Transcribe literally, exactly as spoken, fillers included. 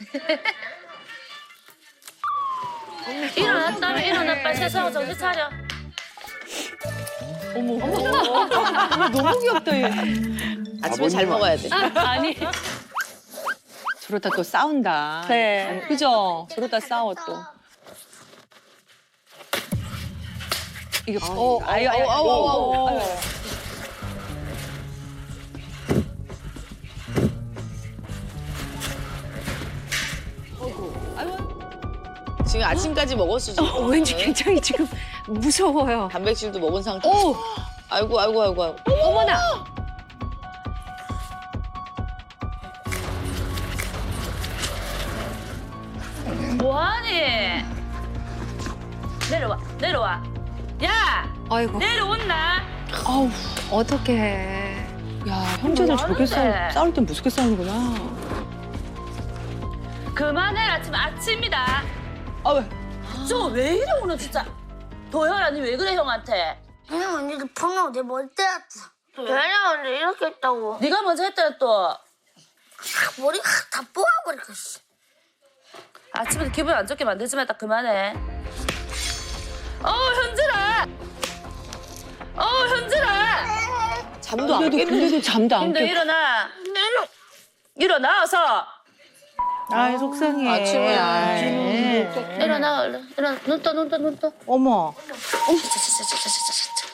일어났다며 일어나 빨리 세수하고 정신 차려. 어머, 어머, 너무 귀엽다 얘. 아침에 잘 먹어야 돼. 아니. 저러다 또 싸운다. 네. 그죠? 저러다 싸워 또. 이게 어, 아유, 아유, 아유, 아유, 아유, 아유. 지금 아침까지 먹었어 지금. 어, 왠지 굉장히 지금 무서워요. 단백질도 먹은 상태. 오! 아이고 아이고 아이고 아이고. 어머나. 뭐하니? 내려와 내려와. 야 아이고. 내려온나? 아우, 어떡해. 야, 형제들 뭐 저렇게 싸우, 하는데? 싸울 땐 무섭게 싸우는구나. 그만해라 지금 아침이다. 아, 왜? 저 왜 이래 오늘 진짜. 도현아 니 왜 그래 형한테? 그냥 언니가 방금 내 머리 때렸어. 왜냐 언니 이렇게 했다고. 네가 먼저 했더라 또. 머리가 다 뽑아버릴까 씨. 아침부터 기분 안 좋게 만들지 말다 그만해. 어우 현진아. 어우 현진아. 잠도 안 근데도, 깼는데. 근데도 잠도 안 힘들 깨. 일어나. 일어나 어서. 아이 속상해. 아침에. 아이. 일어나 얼른. 일어나 눈 떠 눈 떠 눈 떠. 어머. 자자자자자자자.